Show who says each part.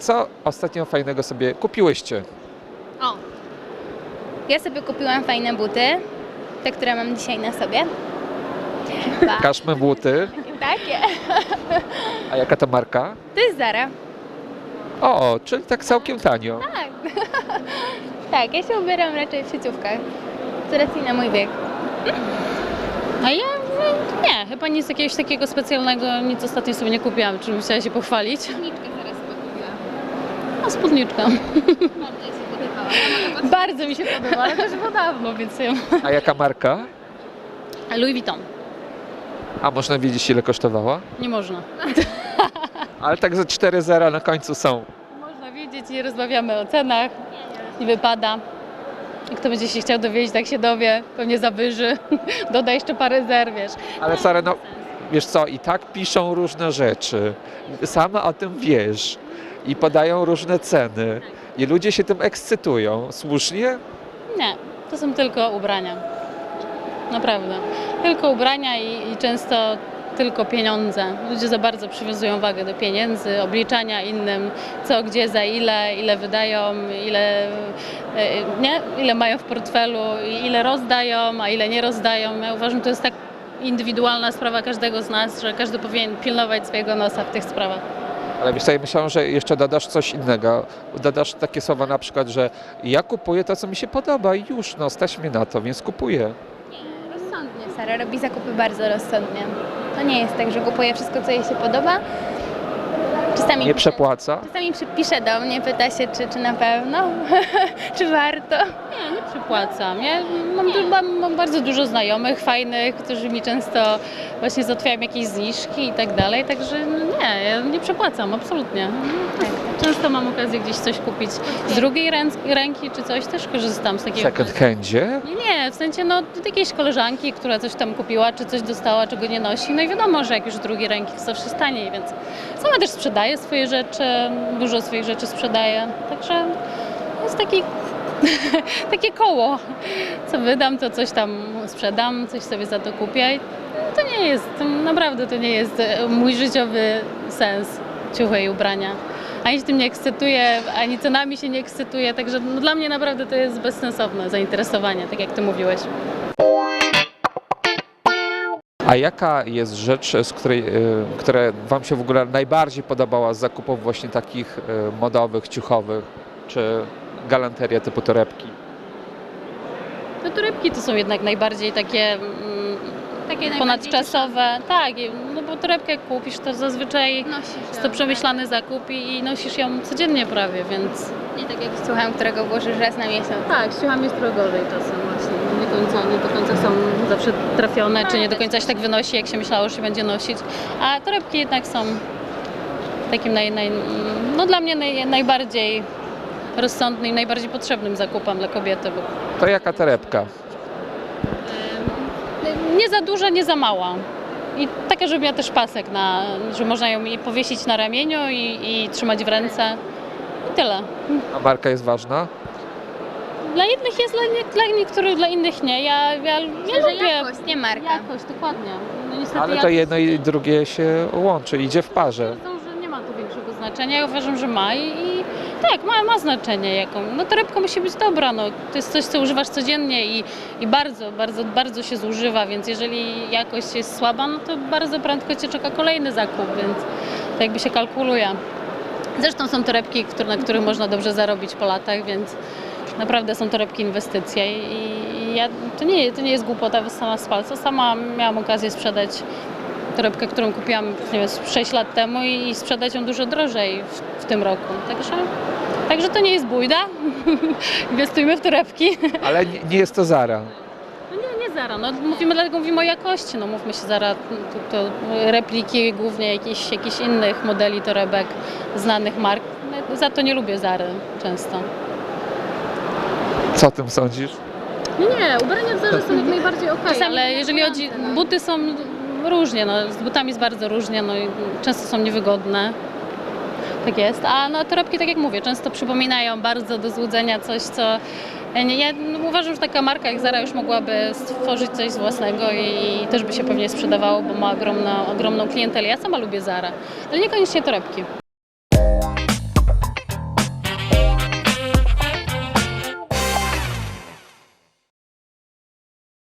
Speaker 1: co ostatnio fajnego sobie kupiłyście?
Speaker 2: O! Ja sobie kupiłam fajne buty, te, które mam dzisiaj na sobie.
Speaker 1: Pokażmy buty.
Speaker 2: Takie.
Speaker 1: A jaka to marka?
Speaker 2: To jest Zara.
Speaker 1: O, czyli tak całkiem tanio.
Speaker 2: Tak. Tak, ja się ubieram raczej w sieciówkach. Z racji na mój wiek.
Speaker 3: A ja nie, chyba nic jakiegoś takiego specjalnego, nic ostatnio sobie nie kupiłam, czym chciała się pochwalić.
Speaker 2: Spódniczkę zaraz sobie kupiłam.
Speaker 3: No spódniczka.
Speaker 2: Bardzo się podobała.
Speaker 3: Bardzo mi się podoba, ale też było dawno, więc ją...
Speaker 1: A jaka marka?
Speaker 3: Louis Vuitton.
Speaker 1: A można wiedzieć, ile kosztowała?
Speaker 3: Nie można.
Speaker 1: Ale tak ze 4 zera na końcu są.
Speaker 3: Można wiedzieć, nie rozmawiamy o cenach, nie wypada. Jak kto będzie się chciał dowiedzieć, tak się dowie, pewnie zawyży, doda jeszcze parę zer, wiesz.
Speaker 1: Ale Sara, no wiesz co, i tak piszą różne rzeczy. Sama o tym wiesz. I podają różne ceny. I ludzie się tym ekscytują. Słusznie?
Speaker 3: Nie, to są tylko ubrania. Naprawdę. Tylko ubrania i często tylko pieniądze. Ludzie za bardzo przywiązują wagę do pieniędzy, obliczania innym, co, gdzie, za ile wydają, ile mają w portfelu, ile rozdają, a ile nie rozdają. Ja uważam, to jest tak indywidualna sprawa każdego z nas, że każdy powinien pilnować swojego nosa w tych sprawach.
Speaker 1: Ale wiesz co, ja myślałem, że jeszcze dodasz coś innego. Dodasz takie słowa na przykład, że ja kupuję to, co mi się podoba i już, no stać mnie na to, więc kupuję.
Speaker 2: Rozsądnie. Sara robi zakupy bardzo rozsądnie. To nie jest tak, że kupuje wszystko, co jej się podoba. Czasami
Speaker 1: Nie przepłaca.
Speaker 2: Czasami pisze do mnie, pyta się, czy na pewno, czy warto.
Speaker 3: Nie przypłacam. Ja mam bardzo dużo znajomych, fajnych, którzy mi często właśnie załatwiają jakieś zniżki i tak dalej, także no nie, ja nie przepłacam, absolutnie.
Speaker 2: Tak.
Speaker 3: Często mam okazję gdzieś coś kupić z drugiej ręki czy coś, też korzystam z
Speaker 1: W
Speaker 3: takiego.
Speaker 1: second handzie?
Speaker 3: Nie, w sensie no od jakiejś koleżanki, która coś tam kupiła, czy coś dostała, czego nie nosi, no i wiadomo, że jak już z drugiej ręki to zawsze jest taniej, więc sama też sprzedaję swoje rzeczy, dużo swoich rzeczy sprzedaję, także jest takie koło, co wydam, to coś tam sprzedam, coś sobie za to kupię i naprawdę to nie jest mój życiowy sens, ciuchy i ubrania. Ani się tym nie ekscytuję, ani cenami się nie ekscytuję, także no dla mnie naprawdę to jest bezsensowne zainteresowanie, tak jak ty mówiłeś.
Speaker 1: A jaka jest rzecz, która Wam się w ogóle najbardziej podobała z zakupów właśnie takich modowych, ciuchowych, czy galanteria typu torebki?
Speaker 3: No torebki to są jednak najbardziej takie ponadczasowe. Tak, no bo torebkę jak kupisz, to zazwyczaj jest to przemyślany zakup i nosisz ją codziennie prawie, więc...
Speaker 2: Nie tak jak z ciuchem, którego włożysz raz na miesiąc.
Speaker 3: Tak, z ciuchami jest trochę gorzej czasem właśnie. Nie do końca są zawsze trafione, czy nie do końca się tak wynosi, jak się myślało, że się będzie nosić. A torebki jednak są takim no dla mnie najbardziej rozsądnym i najbardziej potrzebnym zakupem dla kobiety. Bo
Speaker 1: To jaka torebka?
Speaker 3: nie za duża, nie za mała. I taka, żeby miała też pasek, że można ją i powiesić na ramieniu i trzymać w ręce. I tyle.
Speaker 1: A marka jest ważna?
Speaker 3: Dla jednych jest, dla niektórych, dla innych nie. Ja lubię
Speaker 2: Jakość, nie marka.
Speaker 3: jakość, dokładnie. No niestety
Speaker 1: Ale to
Speaker 3: jakość
Speaker 1: jedno i drugie się łączy, idzie w parze.
Speaker 3: że nie ma tu większego znaczenia. Ja uważam, że ma i tak, ma znaczenie. No torebka musi być dobra, no. To jest coś, co używasz codziennie i bardzo, bardzo, bardzo się zużywa, więc jeżeli jakość jest słaba, no to bardzo prędko cię czeka kolejny zakup, więc to jakby się kalkuluje. Zresztą są torebki, na których można dobrze zarobić po latach, więc naprawdę są torebki inwestycje i to nie jest głupota sama z palca. Sama miałam okazję sprzedać torebkę, którą kupiłam nie wiem, 6 lat temu i sprzedać ją dużo drożej w tym roku. Także to nie jest bójda. Inwestujmy w torebki.
Speaker 1: Ale nie jest to Zara.
Speaker 3: No nie Zara, no dlatego mówimy o jakości. No mówmy się Zara, to repliki głównie jakichś innych modeli torebek, znanych mark. Za to nie lubię Zary często.
Speaker 1: Co o tym sądzisz?
Speaker 3: Nie, ubrania w Zarze są jak najbardziej okej, ale jeżeli chodzi, buty są różnie, no, z butami jest bardzo różnie, no, i często są niewygodne, tak jest, a no, torebki, tak jak mówię, często przypominają bardzo do złudzenia coś, co ja uważam, że taka marka jak Zara już mogłaby stworzyć coś z własnego i też by się pewnie sprzedawało, bo ma ogromną klientelę. Ja sama lubię Zarę, ale niekoniecznie torebki.